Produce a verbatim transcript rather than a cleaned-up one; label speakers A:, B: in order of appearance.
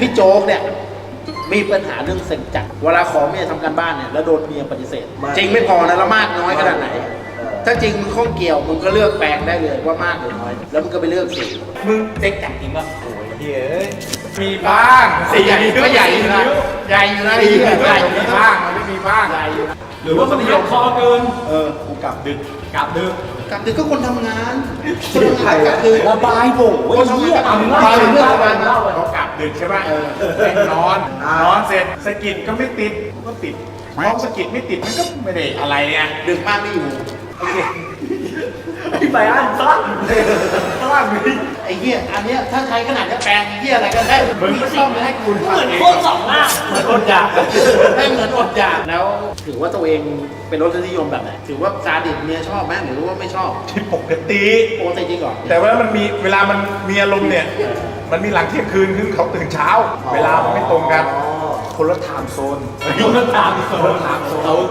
A: พี่โจ๊กเนี่ยมีปัญหาเรื่องเซ็งจัดเวลาขอเมียทำการบ้านเนี่ยแล้วโดนเมียปฏิเสธ จริงไม่พอนะแล้วมากน้อยขนาดไหน ถ้าจริงมึงข้องเกี่ยวมึงก็เลือกแปลงได้เลยว่ามากหรือน้อย แล้วมึงก็ไปเลือกสี
B: มึงเซ็กจัดจริงป่ะโอ้ยเฮ้ย
C: มีบ้าง
A: สีใหญ่ก็ใหญ่อยู่นะใหญ่อยู่นะ
C: สี
A: ใหญ่
C: ใหญ่มีบ้างมันไม่มีบ้าง
A: ใหญ่อยู่นะ
B: หรือว่ามันยกคอเกิน
C: เออกูกลับดึก
B: กลับดึก
A: กลับดึกก็คนทำงานคนทำงานกลับดึก
B: ระบายโว้ยเหี้ย
A: ทำ
B: ทำ
A: งา
B: ง่าย
A: นเรื่องประมาณนั้น
C: เขากลับดึกใช่ป่ะเออแม่งนอนนอนเสร็จสะกิดก็ไม่ติดก็ติดพอสะกิดไม่ติดมันก็ไม่ได้อะไรไง
A: ดึกมากไม่อยู่
C: โอเค
B: พี่ไปอ่านสั้น
C: บ้านมี
A: ไอ้เหี้ยอันเนี้ยถ้าใช้ขนาดจะแปลงเหี้ยอะไรก็ได้มึงไม่ต้องให้คุณ
B: เหมือนโคตรสองหน้าเหมือนอดอยาก
A: ให้เหมือนอดอยากแล้วถือว่าตัวเองเป็นรสนิยมแบบไหนถือว่าซาดิสเมียชอบไหมหรือว่าไม่ชอบ
C: ที่ปกติ
A: ปกติจริงเหรอ
C: แต่ว่ามันมีเวลามันมีอารมณ์เนี่ย มันมีหลังเที่ยงคืนคือเขาตื่นเช้า เวลามันไม่ตรงกัน คนละไทม์โซน
B: คนละตามโซน